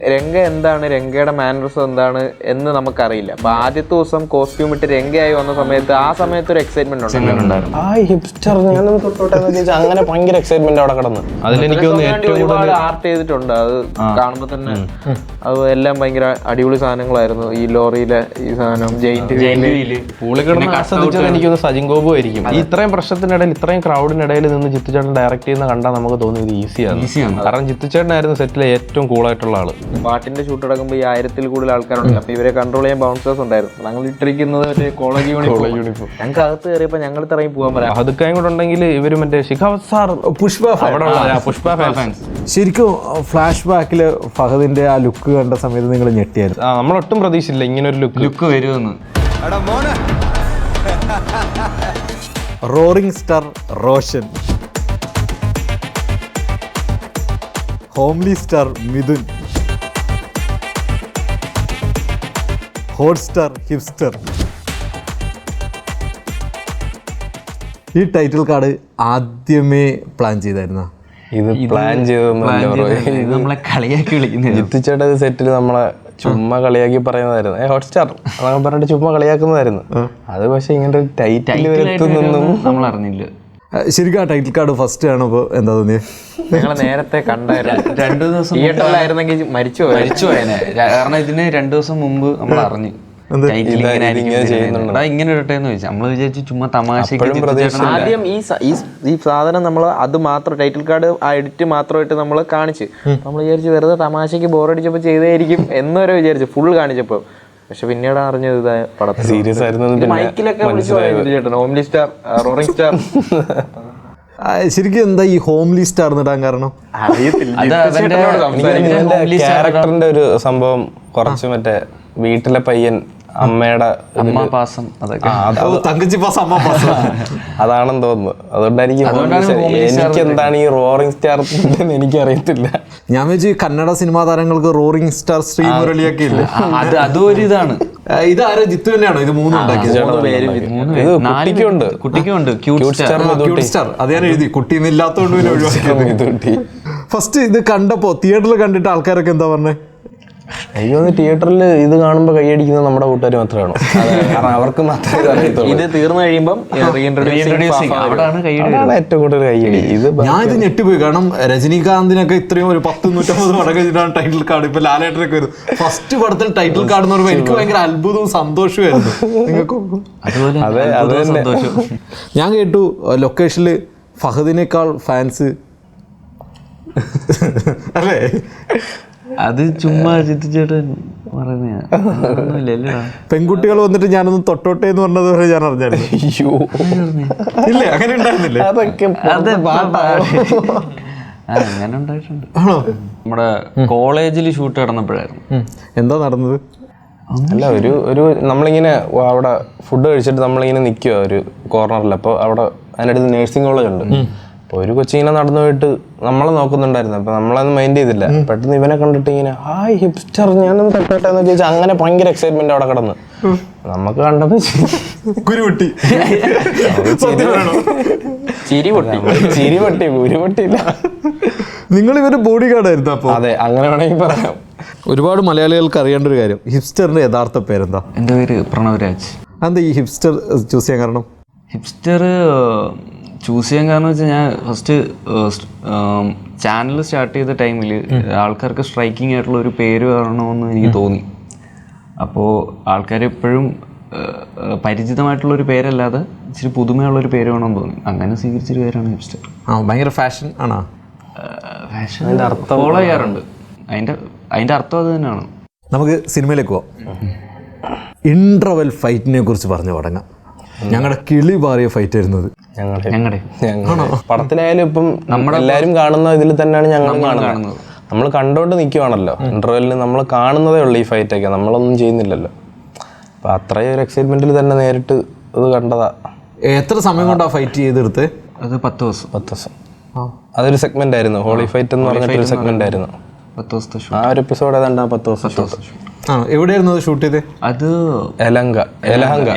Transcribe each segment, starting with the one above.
രംഗ എന്താണ്, രംഗയുടെ മാനറിസം എന്താണ് എന്ന് നമുക്കറിയില്ല. അപ്പൊ ആദ്യത്തെ ദിവസം കോസ്റ്റ്യൂം ഇട്ട് രംഗയായി വന്ന സമയത്ത് ആ സമയത്ത് ഒരു എക്സൈറ്റ്മെന്റ് ഉണ്ടായിരുന്നു. അങ്ങനെ ഭയങ്കര എക്സൈറ്റ്മെന്റ് അവിടെ കിടന്നു. അതിലെനിക്ക് ഒരുപാട് ആർട്ട് ചെയ്തിട്ടുണ്ട്. അത് കാണുമ്പോ തന്നെ അത് എല്ലാം ഭയങ്കര അടിപൊളി സാധനങ്ങളായിരുന്നു. ഈ ലോറിയിലെ ഈ സാധനം എനിക്കൊന്ന് സജിൻ ഗോപു ആയിരിക്കും. ഇത്രയും പ്രശ്നത്തിനിടയിൽ ഇത്രയും ക്രൗഡിനിടയിൽ നിന്ന് ജിത്തുചേട്ടൻ ഡയറക്ട് ചെയ്യുന്ന കണ്ടാൽ നമുക്ക് തോന്നിയത് ഈസിയാണ്. കാരണം ജിത്തുചേട്ടനായിരുന്നു സെറ്റിലെ ഏറ്റവും കൂളായിട്ടുള്ള ആള്. പാട്ടിന്റെ ഷൂട്ട് നടക്കുമ്പോൾ ഈ 1000-ൽ കൂടുതൽ ആൾക്കാരുണ്ട്. അപ്പൊ ഇവരെ കൺട്രോൾ ചെയ്യാൻ ബൗൺസേഴ്സ് ഉണ്ടായിരുന്നു. ഞങ്ങൾ ഇട്ടിരിക്കുന്നത് ഒരു കോളേജ് യൂണിഫോം. ഞങ്ങൾക്ക് അകത്ത് കയറിയപ്പോ ഞങ്ങൾ ഇറങ്ങി പോകാൻ പറയാം. അതൊക്കെ കൂടെ ഉണ്ടെങ്കിൽ ഇവര് മറ്റേ ശിഖാവത് സാർ, പുഷ്പ ഫാൻസ്. ശരിക്കും ഫ്ലാഷ് ബാക്കില് ഫഹദിന്റെ ആ ലുക്ക് കണ്ട സമയത്ത് നിങ്ങൾ ഞെട്ടിയായിരുന്നു. നമ്മളൊട്ടും പ്രതീക്ഷിച്ചില്ല ഇങ്ങനെ ഒരു ലുക്ക് വരുമെന്ന്. Roaring star Roshan, homely star Mithun, hot star hipster. ഈ ടൈറ്റിൽ കാർഡ് ആദ്യമേ പ്ലാൻ ചെയ്തായിരുന്ന? ഇത് പ്ലാൻ ചെയ്തൊന്നും നമ്മളെ കളിയാക്കി വിളിക്കുന്നത്. ജിത്തുചേട്ടൻ സെറ്റിൽ നമ്മളെ ചുമ്മാ കളിയാക്കി പറയുന്നതായിരുന്നു. ഹോട്ട്സ്റ്റാർ എന്നൊക്കെ പറഞ്ഞിട്ട് ചുമ്മാ കളിയാക്കുന്നതായിരുന്നു. അത് പക്ഷെ ഇങ്ങനെ ഒരു ടൈറ്റിൽ വരുത്തുന്നൊന്നും നമ്മൾ അറിഞ്ഞില്ല. ശരിക്കും ആ ടൈറ്റിൽ കാർഡ് ഫസ്റ്റ് കാണുമ്പോൾ എന്താ തോന്നിയത്? ഞങ്ങൾ നേരത്തെ കണ്ടായിരുന്നു. 2 ദിവസം തിയേറ്ററിലായിരുന്നെങ്കിൽ മരിച്ചു പോയേനെ. കാരണം ഇതിന് 2 ദിവസം മുമ്പ് നമ്മൾ അറിഞ്ഞു ഇങ്ങനെ ഇടട്ടെന്ന് ചോദിച്ചാൽ നമ്മൾ വിചാരിച്ചു ചുമ്മാ തമാശക്ക്. ആദ്യം ഈ സാധനം നമ്മൾ അത് മാത്രം ടൈറ്റിൽ കാർഡ് ആ എഡിറ്റ് മാത്രമായിട്ട് നമ്മൾ കാണിച്ച് നമ്മൾ വിചാരിച്ചു വെറുതെ തമാശക്ക് ബോറടിച്ചപ്പോൾ ചെയ്തായിരിക്കും എന്നൊരു വിചാരിച്ചു ഫുൾ കാണിച്ചപ്പോൾ. പക്ഷെ പിന്നീട് അറിഞ്ഞത് ഇതാ പടത്തിൽ സീരിയസ് ആയിരുന്നു. മൈക്കിലൊക്കെ വിളിച്ചു ചേട്ടൻ ഹോംലി സ്റ്റാർ, റോറിംഗ് സ്റ്റാർ. ശരിക്കും എന്താ ഈ ഹോംലി സ്റ്റാർ ഇടാൻ കാരണം? ക്യാരക്ടറിന്റെ ഒരു സംഭവം കുറച്ച് മറ്റേ വീട്ടിലെ പയ്യൻ അമ്മയുടെ അമ്മാപാസം അതാണെന്ന് തോന്നുന്നു. അതുകൊണ്ടായിരിക്കും എനിക്ക് എന്താണ് ഈ റോറിംഗ് സ്റ്റാർ എനിക്കറിയത്തില്ല. ഞാൻ വെച്ച് കന്നഡ സിനിമാ താരങ്ങൾക്ക് റോറിംഗ് സ്റ്റാർ ശ്രീമുരളിയൊക്കെ ഇല്ല. അതും ഒരു ഇതാണ്. ഇതാരോ ജിത്തു തന്നെയാണോ ഇത് 3 ഉണ്ടാക്കിയത്? കുട്ടിക്കുണ്ട് അത് ഞാൻ എഴുതി, കുട്ടിന്നില്ലാത്തോണ്ട്. ഫസ്റ്റ് ഇത് കണ്ടപ്പോ തിയേറ്ററിൽ കണ്ടിട്ട് ആൾക്കാരൊക്കെ എന്താ പറഞ്ഞേ? അയ്യോ, തിയേറ്ററിൽ ഇത് കാണുമ്പോൾ കൈയടിക്കുന്നത് നമ്മുടെ കൂട്ടുകാർ മാത്രമാണോ? കാരണം അവർക്ക് മാത്രമേ ഇത് തീർന്നു കഴിയുമ്പോൾ ഏറ്റവും കൂടുതൽ കൈയടി. ഞാൻ ഇത് ഞെട്ടിപ്പോയി. കാരണം രജനീകാന്തിനൊക്കെ ഇത്രയും ഒരു 10-150 പടം കഴിഞ്ഞിട്ടാണ് ടൈറ്റിൽ കാർഡ്. ഇപ്പൊ ലാലേട്ടനൊക്കെ വരും ഫസ്റ്റ് പടത്തിൽ ടൈറ്റിൽ കാർഡ് എന്ന് പറയുമ്പോൾ എനിക്ക് ഭയങ്കര അത്ഭുതവും സന്തോഷമായിരുന്നു. നിങ്ങൾക്ക്? ഞാൻ കേട്ടു ലൊക്കേഷനിൽ ഫഹദിനേക്കാൾ ഫാൻസ് അല്ലേ? അത് ചുമ്മാ ജിത്തുചേട്ടൻ പറയുന്ന പെൺകുട്ടികൾ വന്നിട്ട് ഞാനൊന്ന് തൊട്ടോട്ടെ എന്ന് പറഞ്ഞത് വരെ ഞാൻ അറിഞ്ഞായിരുന്നു. ഇല്ലേ, അങ്ങനെ ഉണ്ടായിരുന്നില്ലേ? അങ്ങനെ ഉണ്ടായിട്ടുണ്ട്. നമ്മുടെ കോളേജിൽ ഷൂട്ട് നടന്നപ്പോഴായിരുന്നു. എന്താ നടന്നത്? അല്ല, ഒരു നമ്മളിങ്ങനെ അവിടെ ഫുഡ് കഴിച്ചിട്ട് നമ്മളിങ്ങനെ നിൽക്കുക ഒരു കോർണറിൽ. അപ്പോൾ അവിടെ അതിനടുത്ത് നേഴ്സിംഗ് കോളേജ് ഉണ്ട്. അപ്പോൾ ഒരു കൊച്ചിങ്ങനെ നടന്നു പോയിട്ട് നമ്മളെ നോക്കുന്നുണ്ടായിരുന്നു. അപ്പോൾ നമ്മളതൊന്നും മൈൻഡ് ചെയ്തില്ല. പെട്ടെന്ന് ഇവനെ കണ്ടിട്ട് ഇങ്ങനെ ഹായ് ഹിപ്സ്റ്റർ ഞാനൊന്നും തട്ടട്ടെ എന്ന് ചോദിച്ചാൽ അങ്ങനെ ഭയങ്കര എക്സൈറ്റ്മെന്റ് അവിടെ കിടന്ന് നമുക്ക് കണ്ടപ്പോൾ ചിരി പൊട്ടിയില്ല. നിങ്ങൾ ഇവര് ബോഡി ഗാർഡായിരുന്നു അപ്പോൾ? അതെ, അങ്ങനെ വേണമെങ്കിൽ പറയാം. ഒരുപാട് മലയാളികൾക്ക് അറിയേണ്ട ഒരു കാര്യം, ഹിപ്സ്റ്ററിന്റെ യഥാർത്ഥ പേരെന്താ? എൻ്റെ പേര് പ്രണവരാജ്. എന്താ ഈ ഹിപ്സ്റ്റർ ചൂസ് ചെയ്യാൻ കാരണം? ഹിപ്സ്റ്റർ ചൂസ് ചെയ്യാൻ കാരണം വെച്ചാൽ ഞാൻ ഫസ്റ്റ് ചാനൽ സ്റ്റാർട്ട് ചെയ്ത ടൈമിൽ ആൾക്കാർക്ക് സ്ട്രൈക്കിംഗ് ആയിട്ടുള്ള ഒരു പേര് വരണമെന്ന് എനിക്ക് തോന്നി. അപ്പോൾ ആൾക്കാർ എപ്പോഴും പരിചിതമായിട്ടുള്ളൊരു പേരല്ലാതെ ഇച്ചിരി പുതുമയുള്ളൊരു പേര് വേണമെന്ന് തോന്നി. അങ്ങനെ സ്വീകരിച്ചൊരു പേരാണ് ഹിപ്സ്റ്റർ. ഭയങ്കര ഫാഷൻ ആണോ? ഫാഷൻ ഫോളോ ചെയ്യാറുണ്ട്. അതിൻ്റെ അർത്ഥം അത് തന്നെയാണ്. നമുക്ക് സിനിമയിലേക്ക് പോവാം. ഇൻട്രവൽ ഫൈറ്റിനെ കുറിച്ച് പറഞ്ഞു തുടങ്ങാം. ഞങ്ങളുടെ കിളി പാറിയ ഫൈറ്റ് ആയിരുന്നത്. ഞങ്ങളുടെ പടത്തിലായാലും ഇപ്പം നമ്മളെല്ലാവരും കാണുന്ന ഇതിൽ തന്നെയാണ് ഞങ്ങൾ കാണുന്നത്. നമ്മൾ കണ്ടോണ്ട് നിൽക്കുവാണല്ലോ. ഇന്റർവെല്ലിന് നമ്മൾ കാണുന്നതേ ഉള്ളൂ ഈ ഫൈറ്റൊക്കെ, നമ്മളൊന്നും ചെയ്യുന്നില്ലല്ലോ. അപ്പം അത്രയും ഒരു എക്സൈറ്റ്മെന്റിൽ തന്നെ നേരിട്ട് ഇത് കണ്ടതാ. എത്ര സമയം കൊണ്ടാണ് ഫൈറ്റ് ചെയ്തെടുത്ത്? അത് 10 ദിവസം. അതൊരു സെഗ്മെന്റ് ആയിരുന്നു, ഹോളി ഫൈറ്റ് എന്ന് പറഞ്ഞിട്ടൊരു സെഗ്മെന്റ് ആയിരുന്നു. 10 ദിവസത്തെ ആ ഒരു എപ്പിസോഡ് ഏതാണ്ട് 10 ദിവസം. എവിടെയായിരുന്നു അത് ഷൂട്ട് ചെയ്തത്? അത് എലഹങ്ക.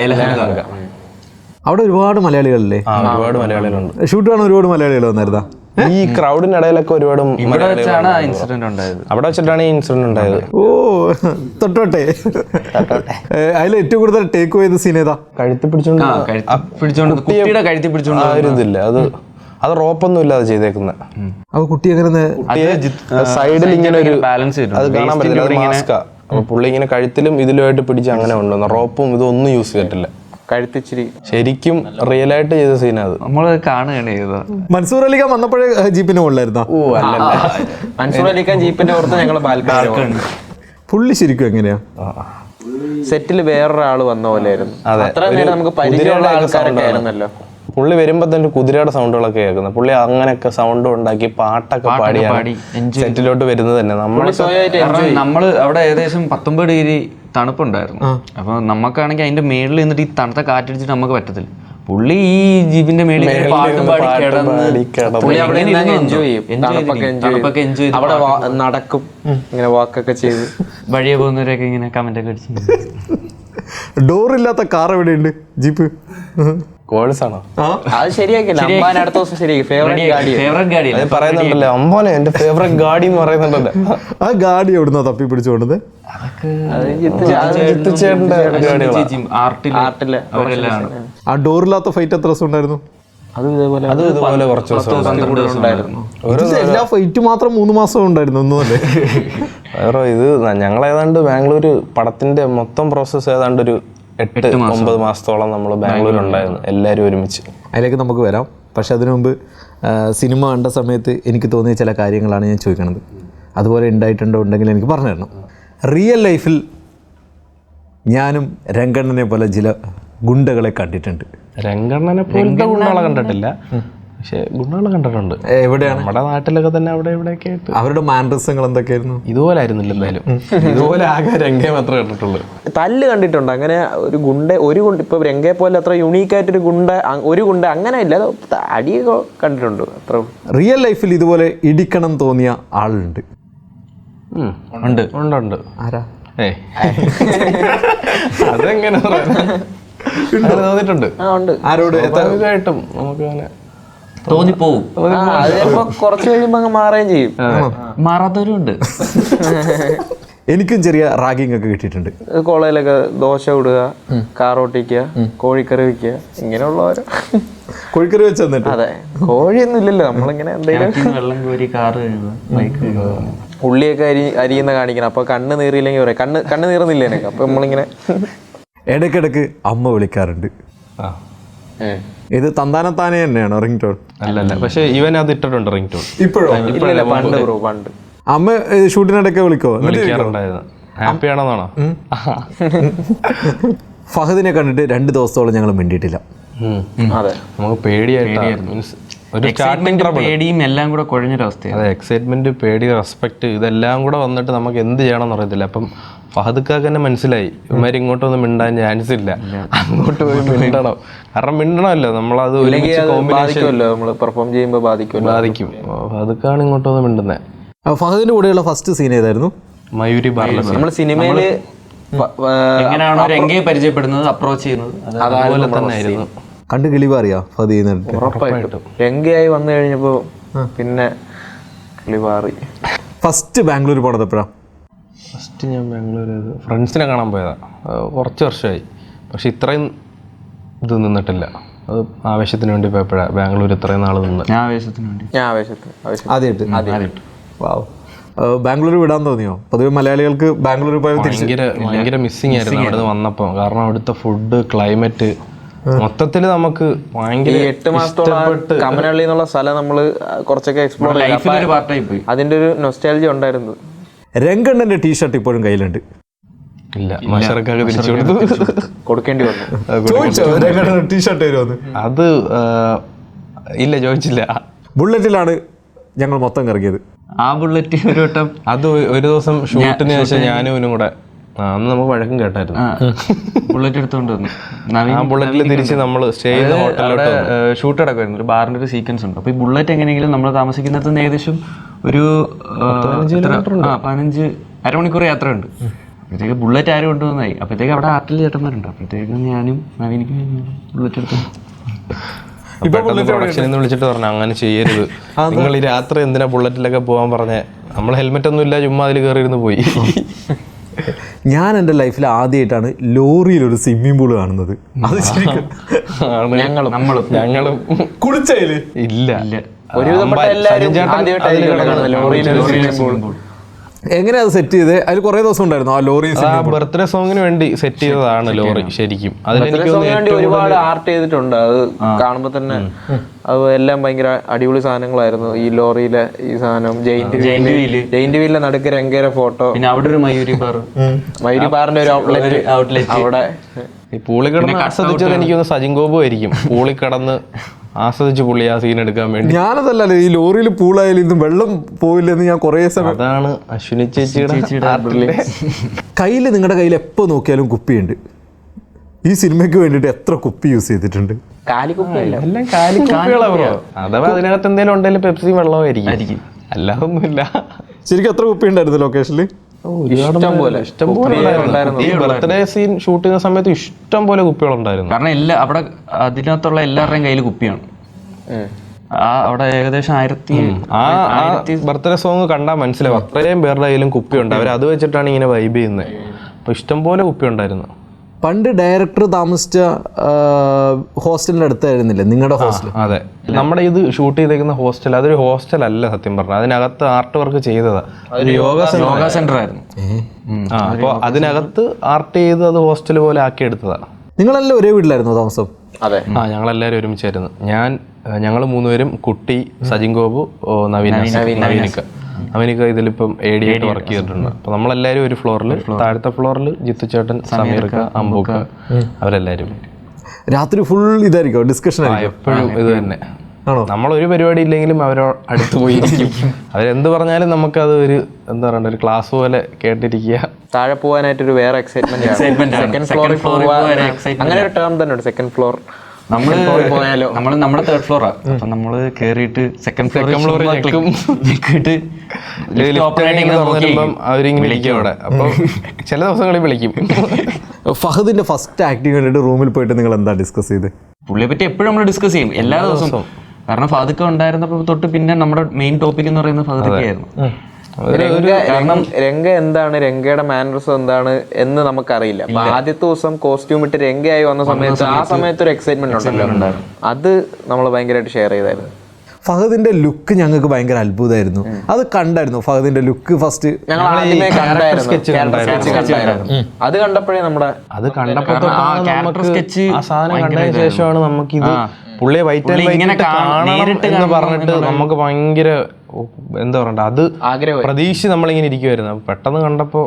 അവിടെ ഒരുപാട് മലയാളികളല്ലേ? ഒരുപാട് മലയാളികളുണ്ട്. ഷൂട്ട് കാണാൻ ഒരുപാട് മലയാളികൾ വന്നായിരുന്നാ? ഈ ക്രൗഡിന്റെ ഇടയിലൊക്കെ ഒരുപാട് ഇവിടെ വെച്ചാണ് ഇൻസിഡന്റ് ഉണ്ടായത്. അവിടെ വെച്ചിട്ടാണ് ഈ ഇൻസിഡന്റ് ഉണ്ടായത്. ഓ തൊട്ടോട്ടെ. അതിൽ ഏറ്റവും കൂടുതൽ ടേക്ക് ചെയ്ത സീൻ ഏതാ? കഴുത്തി പിടിച്ചോണ്ട് കുട്ടിയുടെ കഴുത്തി പിടിച്ചോണ്ട് ആ ഒരു ഇതില്ല, അത് റോപ്പൊന്നും ഇല്ലാതെ ചെയ്തേക്കുന്നത്. അപ്പൊ കുട്ടി എങ്ങനെ സൈഡിൽ ഇങ്ങനെ ഒരു ബാലൻസ് അത് കാണാൻ പറ്റില്ല, മാസ്കാ. അപ്പൊ പുള്ളി ഇങ്ങനെ കഴുത്തിലും ഇതിലുമായിട്ട് പിടിച്ച് അങ്ങനെ കൊണ്ടുവന്നു. റോപ്പും ഇതൊന്നും യൂസ് ചെയ്തിട്ടില്ല. കഴുത്തിച്ചിരി ശരിക്കും റിയൽ ആയിട്ട് ചെയ്ത സീനാ അത്. നമ്മള് കാണുകയാണ് ചെയ്തത്. മൻസൂർ അലിഖാൻ വന്നപ്പോഴേ ജീപ്പിന് മുകളിലായിരുന്നോ? മൻസൂർ അലിഖാൻ ജീപ്പിന്റെ പുറത്ത് ഞങ്ങള് ബാൽക്കണി. പുള്ളി ശരിക്കും എങ്ങനെയാ? സെറ്റിൽ വേറൊരാള് വന്ന പോലെയായിരുന്നു. അത്ര നേരം നമുക്ക് പരിചയമുള്ള ആൾക്കാരൊക്കെ ആയിരുന്നല്ലോ. പുള്ളി വരുമ്പോ തന്നെ കുതിരയുടെ സൗണ്ടുകളൊക്കെ കേൾക്കുന്നത്. പുള്ളി അങ്ങനെയൊക്കെ സൗണ്ട് ഉണ്ടാക്കി പാട്ടൊക്കെ പാടി സെറ്റിലോട്ട് വരുന്നത് തന്നെ. നമ്മള് അവിടെ ഏകദേശം 19 ഡിഗ്രി തണുപ്പുണ്ടായിരുന്നു. അപ്പൊ നമുക്കാണെങ്കിൽ അതിന്റെ മേളിൽ നിന്നിട്ട് ഈ തണുത്ത കാറ്റടിച്ചിട്ട് നമുക്ക് പറ്റത്തില്ല. പുള്ളി ഈ ജീപ്പിന്റെ മേളിൽ പാട്ടും പാടി എൻജോയ് ചെയ്യും. അവിടെ നടക്കും, ഇങ്ങനെ വാക്കൊക്കെ ചെയ്ത് വഴിയെ പോകുന്നവരൊക്കെ ഇങ്ങനെ കമന്റ് ഒക്കെ അടിച്ചു. ഡോറില്ലാത്ത കാർ എവിടെയുണ്ട്? ജീപ്പ് കോഴ്സാണോ? അത് ശരിയാക്കില്ല. അടുത്ത ദിവസം ശരിയാക്കി. ഫേവറേറ്റ് ഗാഡി പറയുന്നുണ്ടല്ലോ, അമ്പോനെ എന്റെ ഫേവറേറ്റ് ഗാഡി എന്ന് പറയുന്നുണ്ടല്ലോ. ആ ഗാഡി എവിടുന്നാ തപ്പി പിടിച്ചോണ്ടത്? ആ ഡോറില്ലാത്ത ഫൈറ്റ് എത്ര ദിവസം ഉണ്ടായിരുന്നു? അത് ഇതുപോലെ കുറച്ച് എല്ലാ ഫൈറ്റ് മാത്രം 3 മാസം ഉണ്ടായിരുന്നു ഒന്നുമല്ലേ? വേറെ ഇത് ഞങ്ങൾ ഏതാണ്ട് ബാംഗ്ലൂര് പടത്തിന്റെ മൊത്തം പ്രോസസ്സ് ഏതാണ്ട് ഒരു 8-9 മാസത്തോളം നമ്മൾ ബാംഗ്ലൂർ ഉണ്ടായിരുന്നു, എല്ലാവരും ഒരുമിച്ച്. അതിലേക്ക് നമുക്ക് വരാം. പക്ഷെ അതിനു മുമ്പ് സിനിമ കണ്ട സമയത്ത് എനിക്ക് തോന്നിയ ചില കാര്യങ്ങളാണ് ഞാൻ ചോദിക്കണത്. അതുപോലെ ഉണ്ടെങ്കിൽ എനിക്ക് പറഞ്ഞു തരണം. റിയൽ ലൈഫിൽ ഞാനും രംഗണ്ണനെ പോലെ ചില ഗുണ്ടകളെ കണ്ടിട്ടുണ്ട്. രംഗണ്ണനെ പോലത്തെ ഗുണ്ടകളെ കണ്ടിട്ടില്ല, പക്ഷെ ഗുണ്ടകളെ കണ്ടിട്ടുണ്ട്. എവിടെയാണ്? നമ്മുടെ നാട്ടിലൊക്കെ തന്നെ അവിടെ ഇവിടെയൊക്കെ ആയിട്ട്. അവരുടെ മാനറിസങ്ങൾ എന്തൊക്കെയായിരുന്നു? ഇതുപോലെ ആയിരുന്നില്ല എന്തായാലും. ഇതുപോലെ ആകെ രംഗയെ മാത്രമേ കണ്ടിട്ടുള്ളൂ. തല്ല് കണ്ടിട്ടുണ്ട്. അങ്ങനെ ഒരു ഗുണ്ട ഇപ്പൊ രംഗയെ പോലെ അത്ര യുണീക്കായിട്ടൊരു ഗുണ്ട അങ്ങനെ ഇല്ല, അടിയൊക്കെ കണ്ടിട്ടുണ്ട് അത്ര. റിയൽ ലൈഫിൽ ഇതുപോലെ ഇടിക്കണം തോന്നിയ ആളുണ്ട്? ഉണ്ട്. ആരാ? അതെങ്ങനെ തോന്നിയിട്ടുണ്ട്. ആരോട്? സ്വാഭാവികമായിട്ടും നമുക്ക് അങ്ങനെ തോന്നിപ്പോവും. കുറച്ച് കഴിയുമ്പോ അങ്ങ് മാറുകയും ചെയ്യും. മാറാത്തവരും ഉണ്ട്. എനിക്കും ചെറിയ റാഗിങ് ഒക്കെ കിട്ടിയിട്ടുണ്ട്. കോളേജിലൊക്കെ ദോശ ഇടുക, കാറോട്ടിക്കുക, കോഴിക്കറി വെക്കുക, ഇങ്ങനെയുള്ളവരോ. കോഴിക്കറി വെച്ച് തന്നിട്ട്? അതെ, കോഴിയൊന്നും ഇല്ലല്ലോ. നമ്മളിങ്ങനെ എന്തെങ്കിലും വെള്ളം കോരി കാറ് ഉള്ളിയൊക്കെ അരിയുന്ന കാണിക്കണം. അപ്പൊ കണ്ണ് നീറിയില്ലെങ്കിൽ പറയാം, കണ്ണ് നീറുന്നില്ല എനിക്ക്. അപ്പൊ നമ്മളിങ്ങനെ ഇടയ്ക്കിടയ്ക്ക് അമ്മ വിളിക്കാറുണ്ട്. ഇത് തന്താനത്താനെ തന്നെയാണോ റിംഗ് ടോൺ? അല്ലല്ല, പക്ഷെ ഇവൻ അത് ഇട്ടിട്ടുണ്ട് റിംഗ് ടോൺ. ഇപ്പോഴോ? പണ്ട് അമ്മ ഷൂട്ടിനിടയ്ക്ക് വിളിക്കോ? ഹാപ്പി ആണെന്നാണോ? ഫഹദിനെ കണ്ടിട്ട് 2 ദിവസത്തോളം ഞങ്ങൾ മിണ്ടിയിട്ടില്ല. അതെ, നമുക്ക് പേടിയായിരുന്നു. ഒരു സ്റ്റാർട്ടിംഗ് പേടിയും എല്ലാം കൂടെ കുഴഞ്ഞൊരവസ്ഥയാണ്. അതെ, എക്സൈറ്റ്മെന്റ്, പേടി, റെസ്പെക്ട് ഇതെല്ലാം കൂടെ വന്നിട്ട് നമുക്ക് എന്ത് ചെയ്യണമെന്ന് അറിയത്തില്ല. അപ്പം ഫഹദ്ക്കാക്ക് തന്നെ മനസ്സിലായി ഇവന്മാർ ഇങ്ങോട്ടൊന്നും മിണ്ടാൻ ചാൻസ് ഇല്ല, അങ്ങോട്ട് പോയി മിണ്ടണം. കാരണം മിണ്ടണമല്ലോ, നമ്മളത് പെർഫോം ചെയ്യുമ്പോൾ ബാധിക്കും. ഫഹദ്ക്കാണ് ഇങ്ങോട്ടൊന്നും മിണ്ടുന്നത്. ഫഹദിന്റെ കൂടെയുള്ള ഫസ്റ്റ് സീൻ ഏതായിരുന്നു? മയൂരി ബാർലസ്. നമ്മൾ സിനിമയില് എങ്ങനെയാണോ രംഗയെ പരിചയപ്പെടുന്നത്, അപ്രോച്ച് ചെയ്യുന്നത്, അതുപോലെ തന്നെ ആയിരുന്നു. കണ്ട് കിളിപാറിയാ ഫഹദ് ചെയ്യുന്നുണ്ട്? ഉറപ്പായിട്ടും. രംഗയായി വന്നു കഴിഞ്ഞപ്പോ പിന്നെ കിളിപാറി. ഫസ്റ്റ് ബാംഗ്ലൂർ പോണത് എപ്പോഴാ? ഫസ്റ്റ് ഞാൻ ബാംഗ്ലൂർ ഫ്രണ്ട്സിനെ കാണാൻ പോയതാ. കുറച്ച് വർഷമായി, പക്ഷെ ഇത്രയും ഇത് നിന്നിട്ടില്ല. അത് ആവേശത്തിന് വേണ്ടി പോയപ്പോഴാണ് ബാംഗ്ലൂർ ഇത്രയും നാൾ നിന്ന്. ആദ്യമായിട്ട്. വാവ്. ബാംഗ്ലൂർ വിടാൻ തോന്നിയോ? പൊതുവെ മലയാളികൾക്ക് ബാംഗ്ലൂർ പോയത് ഭയങ്കര മിസ്സിങ് ആയിരുന്നു അവിടെ നിന്ന് വന്നപ്പോൾ. കാരണം അവിടുത്തെ ഫുഡ്, ക്ലൈമറ്റ്, മൊത്തത്തിൽ നമുക്ക് ഭയങ്കര 8 മാസത്തോളം കമനഹള്ളി എന്നുള്ള സ്ഥലം നമ്മള് കുറച്ചൊക്കെ എക്സ്പ്ലോർ ചെയ്തു. അതിന്റെ ഒരു നൊസ്റ്റാൾജി ഉണ്ടായിരുന്നു. രംഗണ്ണന്റെ ടീഷർട്ട് ഇപ്പോഴും കയ്യിലുണ്ട്? ഇല്ല, മഷറക്കാക്ക് തിരിച്ചു കൊടുത്തു, കൊടുക്കേണ്ടി വന്നു. ടീഷർട്ട് വരുമെന്ന് അത് ഇല്ല, ചോദിച്ചില്ല. ബുള്ളറ്റിലാണ് ഞങ്ങൾ മൊത്തം കറങ്ങിയത്. ആ ബുള്ളറ്റ് ഒരു വട്ടം, അത് ഒരു ദിവസം ഷൂട്ടിന് ശേഷം ഞാനും ഇവനും കൂടെ, അന്ന് നമുക്ക് വഴക്കം കേട്ടായിരുന്നു. ബുള്ളറ്റ് എടുത്തോണ്ട് വന്നു. ആ ബുള്ളറ്റിൽ തിരിച്ച് നമ്മൾ സ്റ്റേ ചെയ്ത ഹോട്ടലിലോട്ട് ഷൂട്ട് നടക്കുമായിരുന്നു. ഒരു ബാറിന്റെ ഒരു സീക്വൻസ് ഉണ്ട്. അപ്പൊ ഈ ബുള്ളറ്റ് എങ്ങനെയെങ്കിലും നമ്മൾ താമസിക്കുന്നത് ഏകദേശം ഒരു 15 അരമണിക്കൂർ യാത്രയുണ്ട്. അപ്പോഴത്തേക്ക് ബുള്ളറ്റ് ആരും കൊണ്ടുവന്നായി. അപ്പോഴത്തേക്ക് അവിടെ ആർട്ടിൽ ചേട്ടന്മാരുണ്ട്. അപ്പോഴത്തേക്കും ഞാനും നവീനിക്കും ബുള്ളറ്റ് എടുത്തു. പെട്ടെന്ന് പ്രൊഡക്ഷനിൽ നിന്ന് വിളിച്ചിട്ട് പറഞ്ഞു അങ്ങനെ ചെയ്യരുത്, നിങ്ങൾ ഈ രാത്രി എന്തിനാ ബുള്ളറ്റിലൊക്കെ പോകാൻ പറഞ്ഞേ, നമ്മൾ ഹെൽമെറ്റ് ഒന്നും ഇല്ല, ചുമ്മാ അതിൽ കയറിയിരുന്ന് പോയി. ഞാൻ എൻ്റെ ലൈഫിൽ ആദ്യമായിട്ടാണ് ലോറിയിലൊരു സ്വിമ്മിംഗ് പൂൾ കാണുന്നത്. അത് ശരിക്കും ഞങ്ങളും കുളിച്ചതില് ഇല്ല. എങ്ങനെയാ അത് സെറ്റ് ചെയ്ത്? അതിൽ കുറെ ദിവസം ഉണ്ടായിരുന്നു ആ ലോറി. ബർത്ത്ഡേ സോങ്ങിന് വേണ്ടി സെറ്റ് ചെയ്തതാണ് ലോറി ശരിക്കും. ഒരുപാട് ആർട്ട് ചെയ്തിട്ടുണ്ട്. അത് കാണുമ്പോ തന്നെ അത് എല്ലാം ഭയങ്കര അടിപൊളി സാധനങ്ങളായിരുന്നു. ഈ ലോറിയിലെ ഈ സാധനം ജയിന്റ് വീലിലെ നടുക്ക് രംഗേര ഫോട്ടോ, പിന്നെ അവിടെ ഒരു മയൂരി പാറിന്റെ ഒരു ഔട്ട്ലെറ്റ് അവിടെ. ഈ പൂളി കിടന്ന് ആസ്വദിച്ചത് എനിക്കൊന്ന് സജിൻ ഗോപു ആയിരിക്കും. പൂളി കിടന്ന് ആസ്വദിച്ച് പുള്ളി ആ സീൻ എടുക്കാൻ വേണ്ടി. ഞാനതല്ലേ ഈ ലോറിയിൽ പൂളായാലും ഇന്നും വെള്ളം പോയില്ലെന്ന് ഞാൻ കുറേ സമയം. അതാണ് അശ്വിനി ചേച്ചിയുടെ കയ്യിൽ. നിങ്ങളുടെ കയ്യിൽ എപ്പോൾ നോക്കിയാലും കുപ്പിയുണ്ട്. ഈ സിനിമയ്ക്ക് വേണ്ടിയിട്ട് എത്ര കുപ്പി യൂസ് ചെയ്തിട്ടുണ്ട്? എല്ലാം കാലിക്കുപ്പികളാ ബ്രോ. അഥവാ അതിനകത്ത് എന്തെങ്കിലും ഉണ്ടെങ്കിലും പെപ്സി വെള്ളമായിരിക്കും, അല്ലാതെ ഒന്നുമില്ല. ശരിക്കും എത്ര കുപ്പി ഉണ്ടായിരുന്നു ലൊക്കേഷനിൽ? ഈ ബർത്ത്ഡേ സീൻ ഷൂട്ട് ചെയ്യുന്ന സമയത്ത് ഇഷ്ടം പോലെ കുപ്പികളുണ്ടായിരുന്നു. കാരണം അവിടെ അതിനകത്തുള്ള എല്ലാവരുടെയും കയ്യിൽ കുപ്പിയാണ്. അവിടെ ഏകദേശം 1000 ബർത്ത്ഡേ സോങ് കണ്ടാൽ മനസ്സിലാവും അത്രയും പേരുടെ കയ്യിലും കുപ്പിയുണ്ട്. അവർ അത് വെച്ചിട്ടാണ് ഇങ്ങനെ വൈബ് ചെയ്യുന്നത്. അപ്പൊ ഇഷ്ടം പോലെ കുപ്പി ഉണ്ടായിരുന്നു. പണ്ട് ഡയറക്ടർ താമസിച്ച ഹോസ്റ്റലിന്റെ അടുത്തായിരുന്നില്ലേ നിങ്ങളുടെ ഹോസ്റ്റൽ? അതെ, നമ്മുടെ ഇത് ഷൂട്ട് ചെയ്തേക്കുന്ന ഹോസ്റ്റൽ അതൊരു ഹോസ്റ്റൽ അല്ല സത്യം പറഞ്ഞാൽ. അതിനകത്ത് ആർട്ട് വർക്ക് ചെയ്തതാ. ഒരു യോഗ സെന്റർ ആയിരുന്നു. അപ്പോൾ അതിനകത്ത് ആർട്ട് ചെയ്ത് അത് ഹോസ്റ്റൽ പോലെ ആക്കി എടുത്തതാ. നിങ്ങളെല്ലാം ഒരേ വീട്ടിലായിരുന്നു താമസം? അതെ, ഞങ്ങളെല്ലാവരും ഒരുമിച്ചായിരുന്നു. ഞങ്ങൾ 3 പേരും, കുട്ടി, സജിൻ ഗോപു, നവീനിക്ക ഇതിലിപ്പം AD ആയിട്ട് വർക്ക് ചെയ്തിട്ടുണ്ട്. അപ്പൊ നമ്മളെല്ലാരും ഒരു ഫ്ലോറിൽ, താഴത്തെ ഫ്ലോറിൽ ജിത്തു ചേട്ടൻ, സമീർക്ക, അമ്പൂക്ക, അവരെല്ലാരും. രാത്രി ഫുൾ ഇതായിരിക്കും ഡിസ്കഷൻ? എപ്പോഴും ഇത് തന്നെ. നമ്മളൊരു പരിപാടി ഇല്ലെങ്കിലും അവരോ അടുത്ത് പോയിരിക്കും. അവരെന്ത് പറഞ്ഞാലും നമുക്കത് ഒരു എന്താ പറയണ്ട, ഒരു ക്ലാസ് പോലെ കേട്ടിരിക്കുക. താഴെ പോകാനായിട്ടൊരു വേറെ എക്സൈറ്റ്മെന്റ്. സെക്കൻഡ് ഫ്ലോറിൽ അങ്ങനെ ഒരു ടേം തന്നെ ഉണ്ട്, സെക്കൻഡ് ഫ്ലോർ. നമ്മുടെ 3rd ഫ്ലോറാ. അപ്പൊ നമ്മള് കേറിയിട്ട് സെക്കൻഡ് ഫ്ലോറിൽ അവരിങ്ങനെ വിളിക്കും അവിടെ. അപ്പൊ ചില ദിവസങ്ങളിൽ വിളിക്കും. ഫഹദിന്റെ ഫസ്റ്റ് ആക്ടിങ് കണ്ടിട്ട് റൂമിൽ പോയിട്ട് നിങ്ങൾ എന്താ ഡിസ്കസ് ചെയ്ത്? പുള്ളിയെ പറ്റി എപ്പോഴും നമ്മൾ ഡിസ്കസ് ചെയ്യും എല്ലാ ദിവസവും. കാരണം ഫഹദൊക്കെ ഉണ്ടായിരുന്നപ്പോ തൊട്ട് പിന്നെ നമ്മുടെ മെയിൻ ടോപ്പിക് എന്ന് പറയുന്നത് ഫഹദൊക്കെയായിരുന്നു. രംഗ എന്താണ്, രംഗയുടെ മാനറിസം എന്താണ് എന്ന് നമുക്കറിയില്ല. അപ്പൊ ആദ്യത്തെ ദിവസം കോസ്റ്റ്യൂം ഇട്ട് രംഗയായി വന്ന സമയത്ത് ആ സമയത്ത് ഒരു എക്സൈറ്റ്മെന്റ് ഉണ്ടല്ലോ, അത് നമ്മൾ ഭയങ്കരമായിട്ട് ഷെയർ ചെയ്തായിരുന്നു. ഫഹദിന്റെ ലുക്ക് ഞങ്ങൾക്ക് ഭയങ്കര അത്ഭുതമായിരുന്നു. അത് കണ്ടായിരുന്നു ഫഹദിന്റെ ലുക്ക് ഫസ്റ്റ്? ഞങ്ങൾ ആദ്യമേ കണ്ടായിരുന്നു. അത് കണ്ടപ്പോഴേ അത് കണ്ടപ്പോ ആ സാധനം കണ്ടതിന് ശേഷമാണ് നമുക്കിത് പുള്ളിയെ വൈറ്റ് എന്ന് പറഞ്ഞിട്ട് നമുക്ക് ഭയങ്കര എന്താ പറയണ്ട, അത് പ്രതീക്ഷിച്ച് നമ്മളിങ്ങനെ ഇരിക്കുവായിരുന്നു. പെട്ടെന്ന് കണ്ടപ്പോ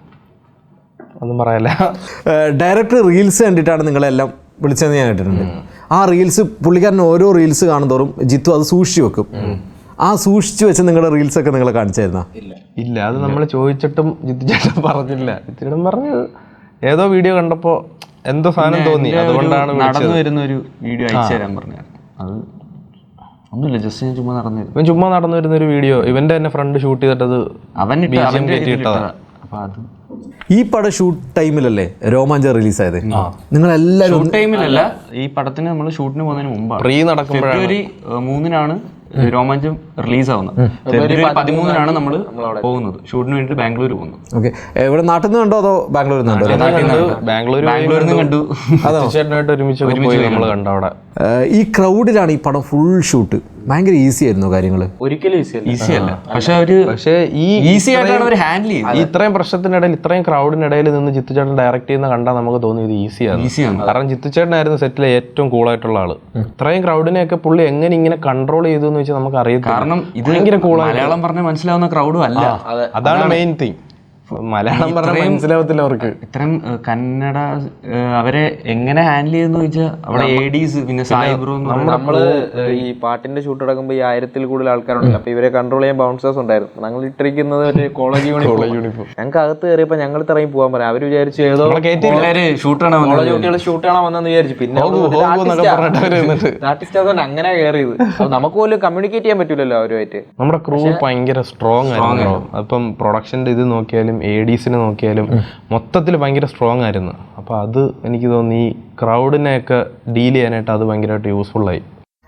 ഒന്നും പറയല്ല. ഡയറക്ടർ റീൽസ് കണ്ടിട്ടാണ് നിങ്ങളെല്ലാം വിളിച്ചതെന്ന് ഞാൻ കേട്ടിട്ടുണ്ട്. ആ റീൽസ് പുള്ളിക്കാരൻ ഓരോ റീൽസ് കാണുന്നതോറും ജിത്തു അത് സൂക്ഷിച്ചു വെക്കും. ആ സൂക്ഷിച്ചു വെച്ച് നിങ്ങളുടെ റീൽസ് ഒക്കെ നിങ്ങളെ കാണിച്ചായിരുന്നോ? ഇല്ല, അത് നമ്മൾ ചോദിച്ചിട്ടും ജിത്തു ചേട്ടൻ പറഞ്ഞില്ല. ജിത്തു ചേട്ടൻ പറഞ്ഞു ഏതോ വീഡിയോ കണ്ടപ്പോ എന്തോ സാധനം തോന്നി, അതുകൊണ്ടാണ് നടന്നു വരുന്ന ഒരു വീഡിയോ അയച്ചു തരാൻ പറഞ്ഞു. അത് ഒന്നുമില്ല, ജസ്റ്റ് ചുമ്മാ നടന്നു വരുന്ന ഒരു വീഡിയോ. ഇവന്റെ തന്നെ ഫ്രണ്ട് ഷൂട്ട് ചെയ്തിട്ടത് ഇട്ടതാ. അപ്പൊ അത് ഈ പടം ഷൂട്ട് ടൈമിലല്ലേ രോമാഞ്ചം റിലീസായത്? നിങ്ങളെല്ലാവരും ടൈമിലല്ല, ഈ പടത്തിന് നമ്മൾ ഷൂട്ടിന് പോകുന്നതിന് മുമ്പാണ്. പ്രീ നടക്കുമ്പോഴാണ്. ഫെബ്രുവരി 3-നാണ് രോമാഞ്ചം റിലീസ് ആവുന്നത്. ഫെബ്രുവരി 13-നാണ് നമ്മൾ പോകുന്നത് ഷൂട്ടിന് വേണ്ടിട്ട് ബാംഗ്ലൂർ പോകുന്നത്. ഓക്കെ, ഇവിടെ നാട്ടിൽ നിന്ന് കണ്ടോ അതോ ബാംഗ്ലൂരിൽ നിന്ന് കണ്ടോ? ബാംഗ്ലൂരിൽ നിന്ന് കണ്ടു. ഒരുമിച്ച് നമ്മൾ കണ്ടു അവിടെ. ഈ ക്രൗഡിലാണ് ഈ പടം ഫുൾ ഷൂട്ട്. ഭയങ്കര ഈസി ആയിരുന്നു കാര്യങ്ങൾ? ഒരിക്കലും ഈസി അല്ല. പക്ഷേ ഈസി ആയിട്ടാണ് അവർ ഹാൻഡിൽ ചെയ്യുന്നത്. ഇത്രയും പ്രശ്നത്തിനിടയിൽ, ഇത്രയും ക്രൗഡിനിടയിൽ നിന്ന് ജിത്തു ചേട്ടൻ ഡയറക്ട് ചെയ്യുന്ന കണ്ടാൽ നമുക്ക് തോന്നി ഇത് ഈസിയാണ്. കാരണം ജിത്തു ചേട്ടനായിരുന്നു സെറ്റിലെ ഏറ്റവും കൂളായിട്ടുള്ള ആള്. ഇത്രയും ക്രൗഡിനെയൊക്കെ പുള്ളി എങ്ങനെ ഇങ്ങനെ കൺട്രോൾ ചെയ്തു എന്ന് വെച്ചാൽ നമുക്ക് അറിയാം. കാരണം ഇത് ഭയങ്കര കൂളാണ്. മലയാളം പറഞ്ഞാൽ മനസ്സിലാവുന്ന ക്രൗഡും അല്ല. അതാണ് മെയിൻ തിങ്. മലയാളം പറഞ്ഞാൽ മനസ്സിലാവത്തില്ല അവർക്ക്. ഇത്രയും കന്നഡ അവരെ എങ്ങനെ ഹാൻഡിൽ ചെയ്യുന്ന ചോദിച്ചാൽ അവിടെ ADs, പിന്നെ സായിബ്രോ. നമ്മള് ഈ പാട്ടിന്റെ ഷൂട്ട് നടക്കുമ്പോ ഈ 1000-ൽ കൂടുതൽ ആൾക്കാരുണ്ടല്ലോ. അപ്പൊ ഇവരെ കൺട്രോൾ ചെയ്യാൻ ബൗൺസേഴ്സ് ഉണ്ടായിരുന്നു. ഞങ്ങൾ ഇട്ടിരിക്കുന്നത് ഒരു കോളേജ് യൂണിഫോം. ഞങ്ങൾക്ക് അകത്ത് കയറിയപ്പോ ഞങ്ങൾ ഇറങ്ങി പോകാൻ പറയാം. അവര് വിചാരിച്ചു ഏതോ കോളേജ് കുട്ടികൾ ഷൂട്ട് കാണാൻ വന്നെന്ന് വിചാരിച്ചു. പിന്നെ ആർട്ടിസ്റ്റ് അതുകൊണ്ട് അങ്ങനെ കയറിയത്. നമുക്ക് പോലും കമ്മ്യൂണിക്കേറ്റ് ചെയ്യാൻ പറ്റൂലല്ലോ അവരുമായിട്ട്. നമ്മുടെ ക്രൂ ഭയങ്കര സ്ട്രോങ് ആയിരുന്നു. അപ്പം പ്രൊഡക്ഷന്റെ ഇത് നോക്കിയാലും ADസിനെ നോക്കിയാലും മൊത്തത്തിൽ ഭയങ്കര സ്ട്രോങ് ആയിരുന്നു. അപ്പോൾ അത് എനിക്ക് തോന്നി ഈ ക്രൗഡിനെയൊക്കെ ഡീൽ ചെയ്യാനായിട്ട് അത് ഭയങ്കരമായിട്ട് യൂസ്ഫുള്ളായി.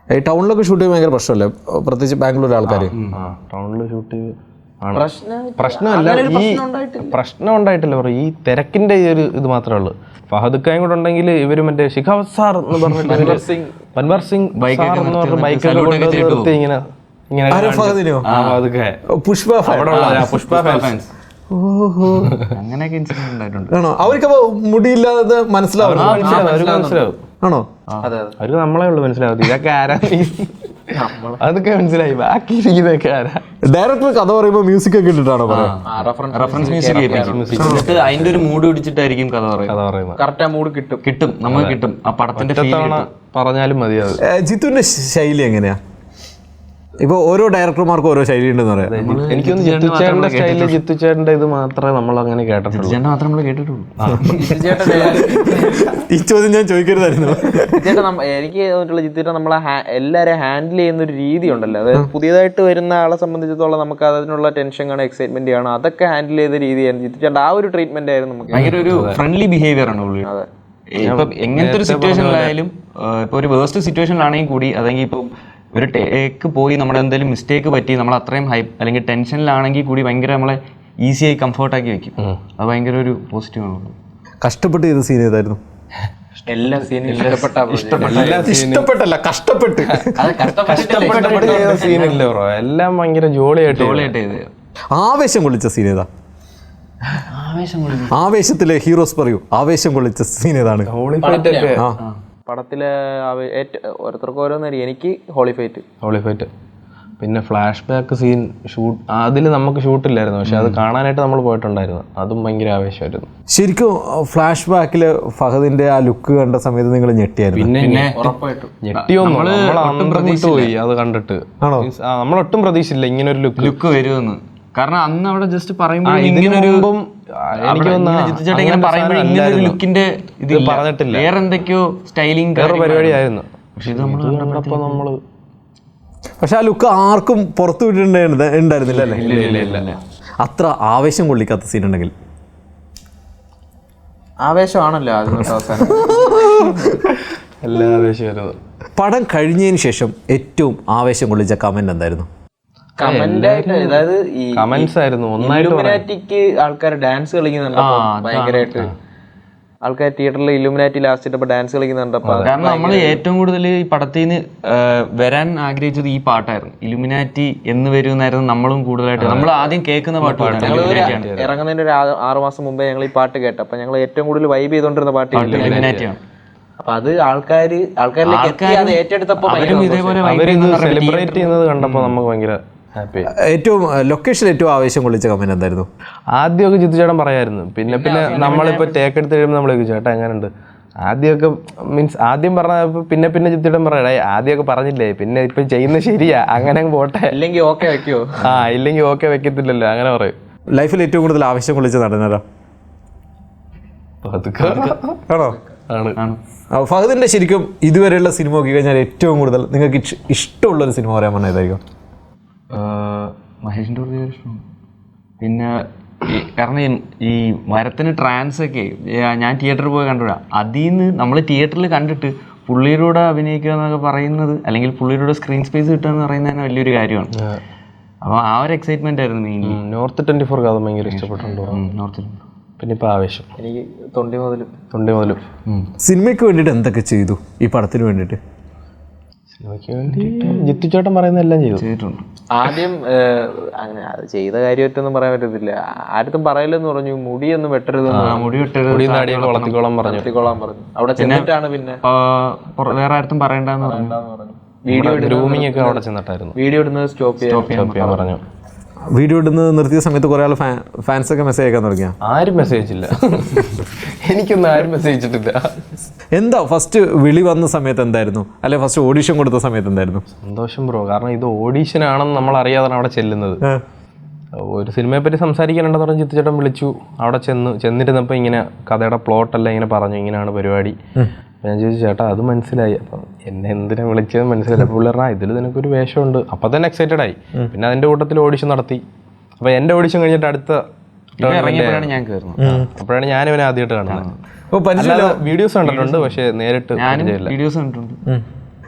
ഈ ടൗണിലൊക്കെ ഷൂട്ട് ചെയ്യാൻ ഭയങ്കര പ്രശ്നമല്ലേ, പ്രത്യേകിച്ച് ബാംഗ്ലൂർ ആൾക്കാർ? ടൗണിൽ ഷൂട്ട് ചെയ്ത് പ്രശ്നമല്ല, ഈ പ്രശ്നം ഉണ്ടായിട്ടില്ല ബ്രോ, ഈ തിരക്കിന്റെ ഈ ഒരു ഇത് മാത്രമേ ഉള്ളൂ. ഫഹദ് ഖാൻ കൂടെ ഉണ്ടെങ്കിൽ ഇവര് മറ്റേ ശിഖാവത് സാർ എന്ന് പറഞ്ഞിട്ട് പൻവർ സിംഗ് ബൈക്കൊക്കെ നിർത്തി ഇങ്ങനെ പുഷ്പ ഫാൻസ്. ഓഹോ, അങ്ങനെയൊക്കെ ഇൻസിഡന്റ് ഉണ്ടായിട്ടുണ്ട്. ആണോ? അവർക്കപ്പോ മുടിയില്ലാതെ മനസ്സിലാവും? മനസ്സിലാവും. ആണോ? അവർക്ക് നമ്മളെ ഉള്ളു മനസ്സിലാവും ഇതൊക്കെ ആരാ, അതൊക്കെ മനസ്സിലായി. ബാക്കി ഇരിക്കുന്നതൊക്കെ ആരാ? ഡയറക്ടർ കഥ പറയുമ്പോ മ്യൂസിക് ഒക്കെ ഇട്ടിട്ടാണോ റെഫറൻസ് മ്യൂസിക് അതിന്റെ ഒരു മൂഡ് പിടിച്ചിട്ടായിരിക്കും കഥ പറയുന്നത്. കറക്റ്റ് ആ മൂഡ് കിട്ടും, നമുക്ക് കിട്ടും. ആ പടത്തിന്റെ പറഞ്ഞാലും മതിയാവും. ജിത്തുവിന്റെ ശൈലി എങ്ങനെയാ? ഇപ്പൊ ഓരോ ഡയറക്ടർമാർക്കും ഓരോ ശൈലി ഉണ്ടെന്ന് പറയാം. എനിക്കൊന്ന് ജിത്തുചേട്ടന്റെ സ്റ്റൈലില് ജിത്തുചേട്ടന്റെ ഇത് മാത്രമേ നമ്മൾ അങ്ങനെ കേട്ടിട്ടുള്ളൂ. മാത്രമേ നമ്മൾ കേട്ടിട്ടുള്ളൂ. ഈ ചോദ്യം ഞാൻ ചോദിക്കരുതായിരുന്നു. ചേട്ടാ, എനിക്ക് തോന്നിയിട്ടുള്ള ജിത്തുചേട്ടൻ നമ്മളെ എല്ലാവരെയും ഹാൻഡിൽ ചെയ്യുന്ന ഒരു രീതി ഉണ്ടല്ലോ, അതായത് പുതിയതായിട്ട് വരുന്ന ആളെ സംബന്ധിച്ചിടത്തോളം നമുക്ക് അതിനുള്ള ടെൻഷൻ കാണും, എക്സൈറ്റ്മെന്റ് കാണും, അതൊക്കെ ഹാൻഡിൽ ചെയ്ത രീതിയാണ് ജിത്തുചേട്ടൻ. ആ ഒരു ട്രീറ്റ്മെന്റ് ആയിരുന്നു നമുക്ക്. ഭയങ്കര ഒരു ഫ്രണ്ട്ലി ബിഹേവിയർ ആണ് പുള്ളി. ഇപ്പൊ എങ്ങനത്തെ ഒരു സിറ്റുവേഷനിലായാലും, ഇപ്പൊ ഒരു വേസ്റ്റ് സിറ്റുവേഷനിലാണെങ്കിൽ കൂടി, അതെങ്കിൽ ഇപ്പൊ ഒരു ടേക്ക് പോയി നമ്മുടെ എന്തെങ്കിലും മിസ്റ്റേക്ക് പറ്റി നമ്മൾ അത്രയും ഹൈപ്പ് അല്ലെങ്കിൽ ടെൻഷനിലാണെങ്കിൽ കൂടി ഭയങ്കര നമ്മളെ ഈസിയായി കംഫർട്ടാക്കി വെക്കും. അത് ഭയങ്കര ഒരു പോസിറ്റീവാണ്. കഷ്ടപ്പെട്ട് ചെയ്ത സീൻ ഏതായിരുന്നു? എല്ലാ സീനും ഇഷ്ടപ്പെട്ടല്ല, കഷ്ടപ്പെട്ട് സീനില്ല ബ്രോ, എല്ലാം ഭയങ്കര ജോളിയായിട്ട് ചെയ്ത്. ആവേശം കൊള്ളിച്ച സീൻ ഏതാ? ആവേശത്തിലെ ഹീറോസ് പറയൂ, ആവേശം കൊള്ളിച്ച സീൻ ഏതാണ്? പടത്തിലെ ഓരോരുത്തർക്കും ഓരോന്നായിരിക്കും. എനിക്ക് ഹോളി ഫൈറ്റ്. പിന്നെ ഫ്ലാഷ് ബാക്ക് സീൻ ഷൂട്ട്, അതിൽ നമുക്ക് ഷൂട്ടില്ലായിരുന്നു, പക്ഷെ അത് കാണാനായിട്ട് നമ്മൾ പോയിട്ടുണ്ടായിരുന്നു. അതും ഭയങ്കര ആവേശമായിരുന്നു. ശരിക്കും ഫ്ലാഷ് ബാക്കില് ഫഹദിന്റെ ആ ലുക്ക് കണ്ട സമയത്ത് നിങ്ങൾ ഞെട്ടിയായിരുന്നു? പിന്നെ ഞെട്ടിയൊന്നും പോയി അത് കണ്ടിട്ട്. നമ്മളൊട്ടും പ്രതീക്ഷിച്ചില്ല ഇങ്ങനെ ഒരു ലുക്ക് വരുമെന്ന്. കാരണം അന്ന് അവിടെ ജസ്റ്റ് പറയുമ്പോൾ ഇങ്ങനൊരു ലുക്കിന്റെ ഇത് പറഞ്ഞിട്ടില്ല, വേറെ എന്തൊക്കെയോ സ്റ്റൈലിംഗ് പരിപാടിയായിരുന്നു. പക്ഷെ ആ ലുക്ക് ആർക്കും പുറത്തു വിട്ടിട്ടുണ്ടായിരുന്നില്ല അല്ലേ? അത്ര ആവേശം കൊള്ളിക്കാത്ത സീൻ ഉണ്ടെങ്കിൽ ആവേശമാണല്ലോ അവസാനം. എല്ലാ ആവേശമായിരുന്നു. പടം കഴിഞ്ഞതിന് ശേഷം ഏറ്റവും ആവേശം കൊള്ളിച്ച കമന്റ് എന്തായിരുന്നു? അതായത് ഈ കമന്റ്സ് ആയിരുന്നു. ഇലുമിനാറ്റിക്ക് ആൾക്കാർ ഡാൻസ് കളിക്കുന്നുണ്ട് ഭയങ്കരമായിട്ട്. ആൾക്കാർ തിയേറ്ററിൽ ഇലുമിനാറ്റി ലാസ്റ്റ് ഇട്ടപ്പോ ഡാൻസ് കളിക്കുന്നുണ്ടപ്പോ. കാരണം നമ്മൾ ഏറ്റവും കൂടുതൽ ഈ പടത്തിൽ നിന്ന് വരാൻ ആഗ്രഹിച്ചത് ഈ പാട്ടായിരുന്നു. ഇലുമിനാറ്റി എന്ന് വരുമെന്നായിരുന്നു നമ്മളും കൂടുതലായിട്ട് നമ്മൾ ആദ്യം കേൾക്കുന്ന പാട്ടാണ്. ഇറങ്ങുന്നതിന്റെ ഒരു 6 മാസം മുമ്പേ ഞങ്ങൾ ഈ പാട്ട് കേട്ടു. അപ്പൊ ഞങ്ങൾ ഏറ്റവും കൂടുതൽ വൈബ് ചെയ്തോണ്ടിരുന്ന പാട്ട് ഇലുമിനാറ്റിയാണ്. അപ്പൊ അത് ആൾക്കാരിലേക്ക് അത് ഏറ്റെടുത്തപ്പോ ഇതേപോലെ സെലിബ്രേറ്റ് ചെയ്യുന്നത് കണ്ടപ്പോ നമുക്ക് ഭയങ്കര ഹാപ്പി. ഏറ്റവും ലൊക്കേഷൻ ഏറ്റവും ആവേശം കൊള്ളിച്ച കമന്റ് എന്തായിരുന്നു? ആദ്യമൊക്കെ ജിത്തുചേട്ടൻ പറയായിരുന്നു. പിന്നെ നമ്മളിപ്പോ ടേക്ക് എടുത്ത് കഴിയുമ്പോൾ നമ്മൾ ചേട്ടാ എങ്ങനെയുണ്ട്, ആദ്യമൊക്കെ മീൻസ് ആദ്യം പറഞ്ഞ പിന്നെ ജിത്തുചേട്ടൻ പറയണേ ആദ്യമൊക്കെ പറഞ്ഞില്ലേ, പിന്നെ ഇപ്പൊ ചെയ്യുന്നത് ശരിയാ, അങ്ങനെ പോട്ടെ, ഇല്ലെങ്കിൽ ഓക്കെ വെക്കോ, ഇല്ലെങ്കിൽ ഓക്കെ വെക്കത്തില്ലല്ലോ, അങ്ങനെ പറയും. ലൈഫിൽ ഏറ്റവും കൂടുതൽ ആവേശം കൊള്ളിച്ച നടനാരാ? ആണോ? ഫഹദിന്റെ ശരിക്കും ഇതുവരെയുള്ള സിനിമ നോക്കി കഴിഞ്ഞാൽ ഏറ്റവും കൂടുതൽ നിങ്ങൾക്ക് ഇഷ്ടമുള്ളൊരു സിനിമ പറയാൻ പറഞ്ഞാൽ ഏതായിരിക്കും? മഹേഷിന്റെ ഇഷ്ടമാണ്. പിന്നെ കാരണം ഈ മരത്തിന് ട്രാൻസ് ഒക്കെ ഞാൻ തിയേറ്ററിൽ പോയി കണ്ടുവിടാ. അതിൽ നിന്ന് നമ്മൾ തിയേറ്ററിൽ കണ്ടിട്ട് പുള്ളിയിലൂടെ അഭിനയിക്കുക എന്നൊക്കെ പറയുന്നത്, അല്ലെങ്കിൽ പുള്ളിയിലൂടെ സ്ക്രീൻ സ്പേസ് കിട്ടുക എന്ന് പറയുന്നത് തന്നെ വലിയൊരു കാര്യമാണ്. അപ്പോൾ ആ ഒരു എക്സൈറ്റ്മെന്റ് ആയിരുന്നു മെയിൻലി. നോർത്ത് 24 കഥ ഭയങ്കര ഇഷ്ടപ്പെട്ടുണ്ടോ? നോർത്ത്. പിന്നെ ഇപ്പൊ ആവേശം. എനിക്ക് തൊണ്ടി മുതലും. സിനിമയ്ക്ക് വേണ്ടിയിട്ട് എന്തൊക്കെ ചെയ്തു ഈ പടത്തിന് വേണ്ടിയിട്ട്? സിനിമയ്ക്ക് വേണ്ടിയിട്ട് ജിത്തുചേട്ടൻ പറയുന്ന എല്ലാം ചെയ്തിട്ടുണ്ട്. ആദ്യം അങ്ങനെ അത് ചെയ്ത കാര്യമായിട്ടൊന്നും പറയാൻ പറ്റത്തില്ല. ആരും പറയില്ലെന്ന് പറഞ്ഞു, മുടിയൊന്നും വെട്ടരുത്, വളർത്തിക്കോളാൻ പറഞ്ഞു. അവിടെ ചെന്നിട്ടാണ് പിന്നെ വേറെ ആരും പറയണ്ടെന്ന് പറഞ്ഞു. വീഡിയോ ഗ്രൂമിംഗ് ഒക്കെ അവിടെ ചെന്നിട്ടായിരുന്നു. വീഡിയോ ഇടുന്നത് സ്റ്റോപ്പ് ചെയ്യാൻ പറഞ്ഞു. വീഡിയോ ഇടുന്നത് നിർത്തിയ സമയത്ത് കുറെ ആൾ ഫാൻസൊക്കെ മെസ്സേജ് അയക്കാൻ തുടങ്ങിയ? ആരും മെസ്സേജ് ഇല്ല, എനിക്കൊന്നും ആരും മെസ്സേജ് ഇട്ടിട്ടില്ല. എന്താ ഫസ്റ്റ് വിളി വന്ന സമയത്ത് എന്തായിരുന്നു, അല്ലെ ഫസ്റ്റ് ഓഡീഷൻ കൊടുത്ത സമയത്ത് എന്തായിരുന്നു? സന്തോഷം ബ്രോ, കാരണം ഇത് ഓഡീഷൻ ആണെന്ന് നമ്മൾ അറിയാതാണ് അവിടെ ചെല്ലുന്നത്. ഒരു സിനിമയെ പറ്റി സംസാരിക്കാനുണ്ടെന്ന് പറഞ്ഞ് ജിത്തുചേട്ടൻ വിളിച്ചു. അവിടെ ചെന്നിരുന്നപ്പോൾ ഇങ്ങനെ കഥയുടെ പ്ലോട്ടെല്ലാം ഇങ്ങനെ പറഞ്ഞു, ഇങ്ങനെയാണ് പരിപാടി. ഞാൻ ചോദിച്ചു ചേട്ടാ അത് മനസ്സിലായി, അപ്പം എന്നെ എന്തിനാ വിളിച്ചത് മനസ്സിലായി. അപ്പോൾ പുള്ളി പറഞ്ഞാൽ ഇതിൽ നിനക്കൊരു വേഷമുണ്ട്. അപ്പം തന്നെ എക്സൈറ്റഡ് ആയി. പിന്നെ അതിൻ്റെ കൂട്ടത്തിൽ ഓഡിഷൻ നടത്തി. അപ്പോൾ എൻ്റെ ഓഡിഷൻ കഴിഞ്ഞിട്ട് അടുത്ത ഇറങ്ങിയപ്പോഴാണ് ഞാൻ കയറുന്നത്. അപ്പോഴാണ് ഞാൻ ഇവനെ ആദ്യമായിട്ട് കാണുന്നത്. വീഡിയോസ് കണ്ടിട്ടുണ്ട്, പക്ഷേ നേരിട്ട് വീഡിയോസ് കണ്ടിട്ടുണ്ട്.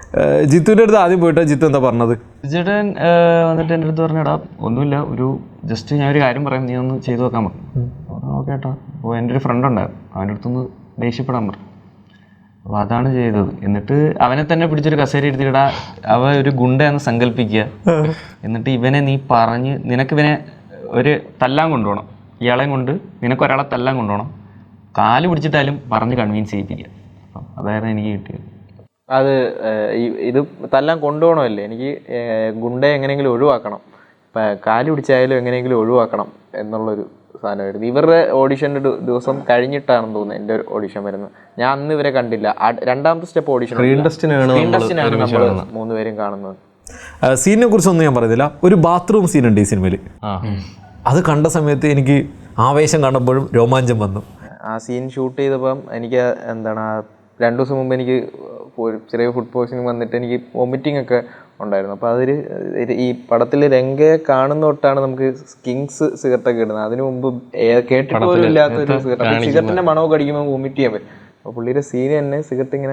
ജിത്തുവിൻ്റെ അടുത്ത് ആദ്യം പോയിട്ടാ ജിത്തു എന്താ പറഞ്ഞത്? ചേട്ടൻ വന്നിട്ട് എൻ്റെ അടുത്ത് പറഞ്ഞടാ ഒന്നുമില്ല, ഒരു ജസ്റ്റ് ഞാൻ ഒരു കാര്യം പറയാം, നീ ഒന്ന് ചെയ്തു നോക്കാൻ പറഞ്ഞു. ഓക്കെ ഏട്ടാ. അപ്പോൾ എൻ്റെ ഒരു ഫ്രണ്ട് ഉണ്ടായിരുന്നു, അവൻ്റെ അടുത്തൊന്ന് ദേഷ്യപ്പെടാൻ പറഞ്ഞു. അപ്പോൾ അതാണ് ചെയ്തത്. എന്നിട്ട് അവനെ തന്നെ പിടിച്ചൊരു കസേര എടുത്തിടാ, അവ ഒരു ഗുണ്ടയെന്ന് സങ്കല്പിക്കുക. എന്നിട്ട് ഇവനെ നീ പറഞ്ഞ് നിനക്കിവനെ ഒരു തല്ലാൻ കൊണ്ടുപോകണം, ഇയാളെയും കൊണ്ട് നിനക്കൊരാളെ തല്ലാൻ കൊണ്ടുപോകണം, കാല് പിടിച്ചിട്ടാലും പറഞ്ഞ് കൺവിൻസ് ചെയ്യിപ്പിക്കുക. അപ്പം അതായിരുന്നു എനിക്ക് കിട്ടിയത്. അത് ഇത് തല്ലാൻ കൊണ്ടുപോകണമല്ലേ, എനിക്ക് ഗുണ്ടയെ എങ്ങനെയെങ്കിലും ഒഴിവാക്കണം, കാല് പിടിച്ചായാലും എങ്ങനെയെങ്കിലും ഒഴിവാക്കണം എന്നുള്ളൊരു സാധനമായിരുന്നു. ഇവരുടെ ഓഡിഷൻ്റെ ദിവസം കഴിഞ്ഞിട്ടാണെന്ന് തോന്നുന്നത് എൻ്റെ ഒരു ഓഡിഷൻ വരുന്നത്. ഞാൻ അന്ന് ഇവരെ കണ്ടില്ല. രണ്ടാമത്തെ സ്റ്റെപ്പ് ഓഡിഷൻ സ്ക്രീൻ ടെസ്റ്റിനാണ് നമ്മൾ 3 പേരും കാണുന്നത്. സീനിനെ കുറിച്ചൊന്നും ഞാൻ പറയുന്നില്ല. ഒരു ബാത്റൂം സീൻ ഉണ്ട് ഈ സിനിമയിൽ. അത് കണ്ട സമയത്ത് എനിക്ക് ആവേശം കാണുമ്പോഴും രോമാഞ്ചം വന്നു. ആ സീൻ ഷൂട്ട് ചെയ്തപ്പം എനിക്ക് എന്താണ് 2 ദിവസം മുമ്പ് എനിക്ക് ഒരു ചെറിയ ഫുഡ് പോയ്സണിങ് വന്നിട്ട് എനിക്ക് വൊമിറ്റിംഗ് ഒക്കെ ഉണ്ടായിരുന്നു. അപ്പോൾ അതിൽ ഈ പടത്തിൽ രംഗയെ കാണുന്ന തൊട്ടാണ് നമുക്ക് കിങ്സ് സിഗരറ്റൊക്കെ ഇടുന്നത്. അതിനു മുമ്പ് കേട്ടിട്ടുപോലും ഇല്ലാത്തൊരു സിഗരറ്റ്, സിഗരറ്റിൻ്റെ മണമൊക്കെ അടിക്കുമ്പോൾ വൊമിറ്റ് ചെയ്യാൻ പറ്റും. അപ്പോൾ പുള്ളിയുടെ സീന് തന്നെ സിഗരറ്റ് ഇങ്ങനെ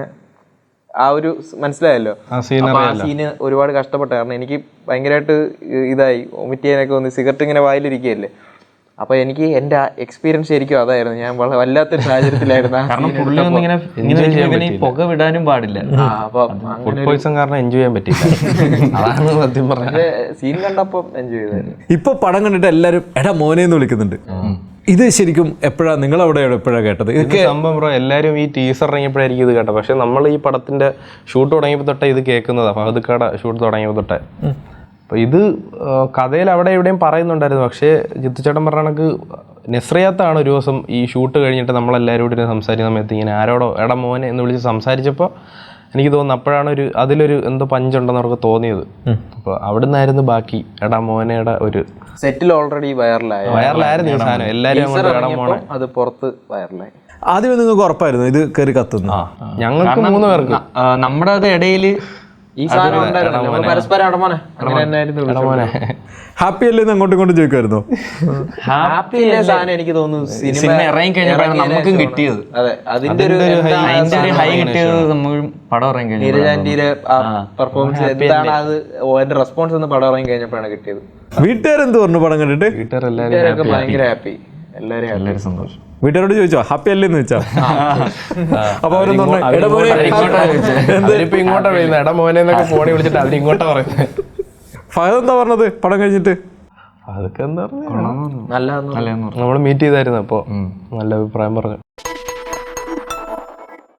ആ ഒരു മനസ്സിലായല്ലോ. അപ്പോൾ ആ സീന് ഒരുപാട് കഷ്ടപ്പെട്ട കാരണം എനിക്ക് ഭയങ്കരമായിട്ട് ഇതായി വൊമിറ്റ് ചെയ്യാനൊക്കെ വന്ന് സിഗരറ്റ് ഇങ്ങനെ വായിലിരിക്കുകയല്ലേ. അപ്പോൾ എനിക്ക് എൻ്റെ എക്സ്പീരിയൻസ് ശരിക്കും അതായിരുന്നു. ഞാൻ വല്ലാത്തൊരു സാഹചര്യത്തിലായിരുന്നു. കാരണം പുള്ളി ഇങ്ങനെ പുക വിടാനും പാടില്ല. ഫുഡ് പോയ്സൺ കാരണം എൻജോയ് ചെയ്യാൻ പറ്റില്ല. അതാണ് സത്യം പറഞ്ഞത്. സീൻ കണ്ടപ്പോൾ എൻജോയ് ചെയ്തായിരുന്നു. ഇപ്പൊ പടം കണ്ടിട്ട് എല്ലാവരും എടാ മോനെ എന്ന് വിളിക്കുന്നുണ്ട്. ഇത് ശരിക്കും എപ്പോഴാണ് നിങ്ങൾ അവിടെ എപ്പോഴാണ് കേട്ടത്? ഇതൊക്കെ സംഭവം ബ്രോ, എല്ലാവരും ഈ ടീസർ ഇറങ്ങിയപ്പോഴായിരിക്കും ഇത് കേട്ടത്. പക്ഷെ നമ്മൾ ഈ പടത്തിന്റെ ഷൂട്ട് തുടങ്ങിയപ്പോൾ തൊട്ടേ ഇത് കേൾക്കുന്നതാണ്. ഫഹദ്ക്കാടെ ഷൂട്ട് തുടങ്ങിയപ്പോൾ തൊട്ടേ. അപ്പോൾ ഇത് കഥയിൽ അവിടെ എവിടെയും പറയുന്നുണ്ടായിരുന്നു. പക്ഷേ ജിത്തുചേട്ടൻ പറഞ്ഞ കണക്ക് നെസ്രിയാത്താണ് ഒരു ദിവസം ഈ ഷൂട്ട് കഴിഞ്ഞിട്ട് നമ്മളെല്ലാവരും കൂടി സംസാരിക്കുന്ന സമയത്ത് ഇങ്ങനെ ആരോടോ എടാ മോനെ എന്ന് വിളിച്ച് സംസാരിച്ചപ്പോൾ എനിക്ക് തോന്നുന്നു അപ്പോഴാണ് അതിലൊരു എന്തോ പഞ്ചുണ്ടെന്ന് അവർക്ക് തോന്നിയത്. അപ്പോൾ അവിടെ നിന്നായിരുന്നു ബാക്കി എടാ മോനയുടെ ഒരു സെറ്റിൽ ഓൾറെഡി വൈറലായിരുന്നു ഈ സാധനം. എല്ലാവരും അത് പുറത്ത് വൈറലായി. ആദ്യമേ നിങ്ങൾക്ക് ഉറപ്പായിരുന്നു ഇത് കയറി കത്തുന്നു? ഞങ്ങൾക്ക് 3 പേർക്ക് നമ്മുടെ അത് ഇടയിൽ ഈ സാധനം പരസ്പരം ഹാപ്പി അല്ലേന്ന് അങ്ങോട്ടും ഇങ്ങോട്ടും ചോദിക്കുമായിരുന്നോ? ഹാപ്പി സാധനം എനിക്ക് തോന്നുന്നു സിനിമ ഇറങ്ങി കഴിഞ്ഞപ്പോഴാണ് നമുക്കും കിട്ടിയത്. അതെ, അതിന്റെ ഒരു ഹൈ കിട്ടിയത് നമ്മൾ പടം ഇറങ്ങി കഴിഞ്ഞു. നീരജാന്റിയുടെ പെർഫോമൻസ് എന്താണ് അത് അതിന്റെ റെസ്പോൺസ് എന്ന് പടം ഇറങ്ങി കഴിഞ്ഞപ്പോഴാണ് കിട്ടിയത്. വീട്ടുകാരെന്ത് പറഞ്ഞു പടം കണ്ടിട്ട്? വീട്ടുകാരൊക്കെ ഭയങ്കര ഹാപ്പി, എല്ലാവരും സന്തോഷം. വീട്ടുകാരോട് ചോദിച്ചോ ഹാപ്പി അല്ലേന്ന് ചോദിച്ചാ? അപ്പൊ അവരൊന്നും ഇങ്ങോട്ടാ പറയുന്നത് എടാ മോനെ എന്നൊക്കെ ഫോണിൽ വിളിച്ചിട്ട് അവരിങ്ങോട്ടാ പറയുന്നത്. ഫഹദ് എന്താ പറഞ്ഞത് പടം കഴിഞ്ഞിട്ട്? അതൊക്കെ എന്താ പറഞ്ഞ നല്ല നമ്മൾ മീറ്റ് ചെയ്തായിരുന്നു. അപ്പോൾ നല്ല അഭിപ്രായം പറഞ്ഞു.